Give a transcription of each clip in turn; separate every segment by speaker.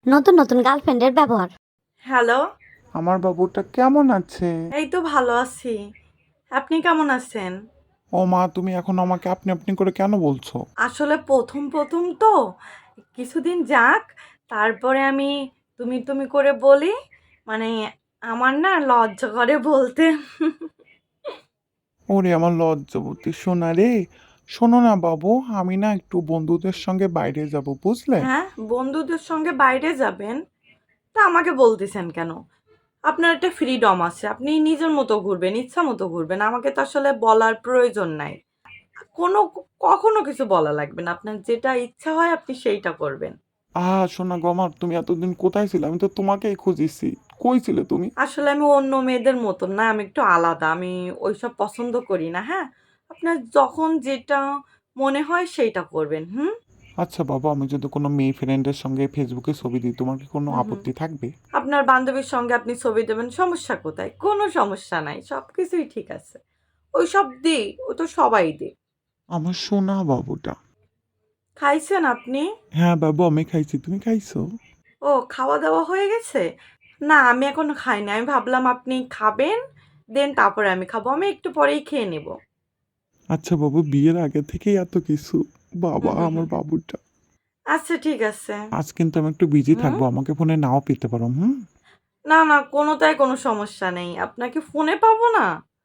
Speaker 1: নতুন নতুন গার্লফ্রেন্ডের ব্যবহার।
Speaker 2: হ্যালো,
Speaker 3: আমার বাবুটা কেমন আছে?
Speaker 2: এই তো ভালো আছি। আপনি কেমন আছেন?
Speaker 3: ও মা, তুমি এখন আমাকে আপনি আপনি করে কেন বলছো?
Speaker 2: আসলে প্রথম প্রথম তো কিছুদিন যাক, তারপরে আমি তুমি তুমি করে বলি। মানে আমার না লজ্জা করে বলতে।
Speaker 3: ওরে আমার লজ্জাবতী সোনা রে। শোনো না বাবু, আমি না একটু বন্ধুদের সঙ্গে বাইরে যাব, বুঝলে?
Speaker 2: হ্যাঁ, বন্ধুদের সঙ্গে বাইরে যাবেন? তা আমাকে বলতেছেন কেন? আপনার একটা ফ্রিডম আছে, আপনি নিজের মতো ঘুরবেন, ইচ্ছা মতো ঘুরবেন, আমাকে তো আসলে বলার প্রয়োজন নাই। কোনো কখনো কিছু বলা লাগবে না, আপনার যেটা ইচ্ছা হয় আপনি সেইটা করবেন।
Speaker 3: সোনা গো আমার, তুমি এতদিন কোথায় ছিলে? আমি তো তোমাকেই খুঁজিছি। কই ছিলে তুমি?
Speaker 2: আসলে আমি অন্য মেয়েদের মতন না, আমি একটু আলাদা, আমি ওইসব পছন্দ করি না। হ্যাঁ, আপনার যখন যেটা মনে হয় সেইটা করবেন। হুম।
Speaker 3: আচ্ছা বাবা, আমি যদি কোনো মেয়ে ফ্রেন্ডের সঙ্গে ফেসবুকে ছবি দিই, তোমার কি কোনো
Speaker 2: হুম হুম।
Speaker 3: আপত্তি থাকবে?
Speaker 2: আপনার বান্ধবীর সঙ্গে আপনি ছবি দেবেন, সমস্যা কোথায়? কোনো সমস্যা নাই, সব কিছুই ঠিক আছে। ওই সব দিই, ও তো সবাই দিই।
Speaker 3: আমার সোনা বাবুটা।
Speaker 2: খাইছেন আপনি?
Speaker 3: হ্যাঁ বাবু, আমি খাইছি, তুমি খাইছো?
Speaker 2: ও, খাওয়া দাওয়া হয়ে গেছে? না, আমি এখনো খাইনি, আমি ভাবলাম আপনি খাবেন, দেন তারপরে আমি খাবো, আমি একটু পরেই খেয়ে নেব।
Speaker 3: আচ্ছা বাবু, বিয়ের আগে থেকেই এত কিছু? বাবা
Speaker 2: হুম হুম
Speaker 3: আমার
Speaker 2: হুম।
Speaker 3: বাবুটা।
Speaker 2: আচ্ছা, ঠিক আছে।
Speaker 3: আজ কিন্তু আমি একটু বিজি
Speaker 2: হুম।
Speaker 3: থাকবো, আমাকে ফোনে নাও পেতে পারো, হুম?
Speaker 2: না, না, কোনোটাই কোনো সমস্যা নেই। আপনাকে ফোনে পাবো না?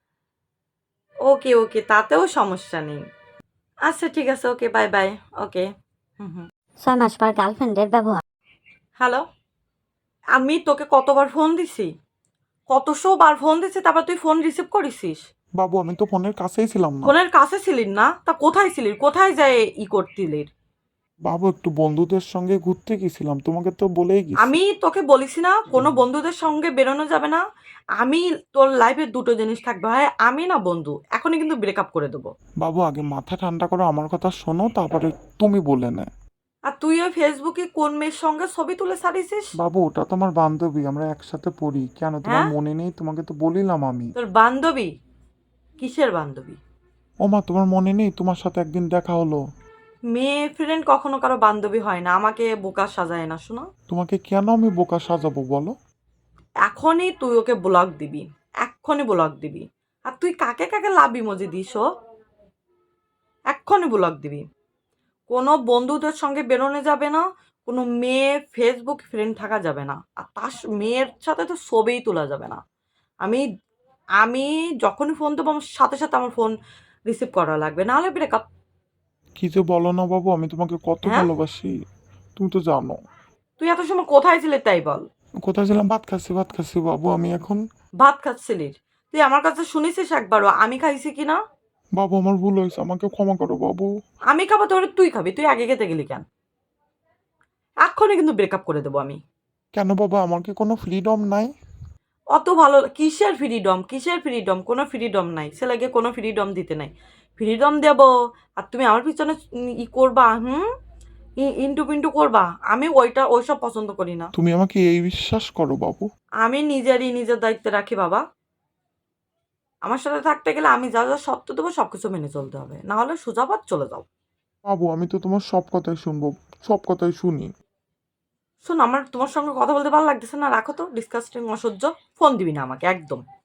Speaker 2: ওকে, ওকে, তাতেও সমস্যা নেই। আচ্ছা, ঠিক আছে, ওকে, বাই, বাই। ওকে। হুম, হুম।
Speaker 1: 6 মাস পর গার্লফ্রেন্ডের ব্যবহার।
Speaker 2: হ্যালো? আমি তোকে কতবার ফোন দিছি? কতশো বার ফোন দিছি, তারপর তুই ফোন রিসিভ করিসিস?
Speaker 3: বাবু, আমি তো ফোনের কাছেই ছিলাম না।
Speaker 2: ফোনের কাছে ছিলিস না? তা কোথায় ছিলিস? কোথায় যেয়ে করতিলি?
Speaker 3: বাবু, একটু বন্ধুদের সঙ্গে ঘুরতে গেছিলাম, তোমাকে তো বলেই গেছি।
Speaker 2: আমি তোকে বলিছি না, কোনো বন্ধুদের সঙ্গে বেরোনো যাবে না? আমি তোর লাইফে ২ টো জিনিস থাকবে, হয় আমি না বন্ধু। এখনই কিন্তু ব্রেকআপ করে দেবো।
Speaker 3: বাবু, আগে মাথা ঠান্ডা করো, আমার কথা শোনো, তারপরে তুমি বলে নে।
Speaker 2: আর তুই ওই ফেসবুকে কোন মেয়ের সঙ্গে ছবি তুলে ছাড়িছিস?
Speaker 3: বাবু, ওটা তো আমার বান্ধবী, আমরা একসাথে পড়ি। কেন, তোমার
Speaker 2: হ্যাঁ?
Speaker 3: মনে নেই? তোমাকে তো বলিলাম আমি।
Speaker 2: তোর বান্ধবী? কিসের বান্ধবী?
Speaker 3: ও মা, তোমার মনে নেই? তোমার সাথে একদিন দেখা হলো।
Speaker 2: মেয়ে ফ্রেন্ড কখনো কারো বান্ধবী হয় না, আমাকে বোকা সাজায় না, শোনো।
Speaker 3: তোমাকে কেন আমি বোকা সাজাবো বলো?
Speaker 2: এখনই তুই ওকে ব্লক দিবি, এক্ষুনি ব্লক দিবি। আর তুই কাকে কাকে লাভ ইমোজি দিস ও? এক্ষুনি ব্লক দিবি। কোনো বন্ধুদের সঙ্গে বেরোনো যাবে না, কোনো মেয়ে ফেসবুক ফ্রেন্ড থাকা যাবে না, আর তার মেয়ের সাথে তো ছবিই তোলা যাবে না। আমি আমি যখনই ফোন দেবো আমার সাথে সাথে আমার ফোন রিসিভ করা লাগবে, নাহলে ব্রেকআপ।
Speaker 3: কি যে বলো না বাবু, আমি তোমাকে কত
Speaker 2: হ্যাঁ,
Speaker 3: ভালোবাসি, তুমি তো জানো।
Speaker 2: তুই এত সময় কোথায় ছিলি তাই বল?
Speaker 3: কোথায় ছিলাম? ভাত খাচ্ছি, ভাত খাচ্ছি বাবু, আমি এখন।
Speaker 2: ভাত খাচ্ছিলিস? তুই আমার কাছে শুনেছিস একবারও আমি খাইছি কিনা?
Speaker 3: বাবু, আমার ভুল হয়েছে, আমাকে ক্ষমা করো বাবু।
Speaker 2: আমি খাবো তোর, তুই খাবি? তুই আগে খেতে গেলি কেন? এক্ষুনি কিন্তু ব্রেকআপ করে দেবো আমি।
Speaker 3: কেন বাবা, আমার কি কোনো ফ্রিডম নাই?
Speaker 2: অত ভালো কিসের ফ্রিডম, কিসের ফ্রিডম? কোনো ফ্রিডম নাই, ছেলেকে কোনো ফ্রিডম দিতে নাই। ফ্রিডম দেব, আর তুমি আমার পিছনে করবা, হুম, ইন্টু পিন্টু করবা? আমি ওইসব পছন্দ করি না।
Speaker 3: তুমি আমাকে এই বিশ্বাস করো বাবু।
Speaker 2: আমি নিজের দায়িত্বে রাখি বাবা। আমার সাথে থাকতে গেলে আমি যা যা শর্ত দেবো সবকিছু মেনে চলতে হবে, না হলে সোজা পথ চলে যাও।
Speaker 3: বাবু, আমি তো তোমার সব কথাই শুনবো, সব কথাই শুনি।
Speaker 2: শোন, আমার তোমার সঙ্গে কথা বলতে ভালো লাগতেছে না, রাখো তো, ডিসকাস্টিং, অসহ্য। ফোন দিবি না আমাকে একদম।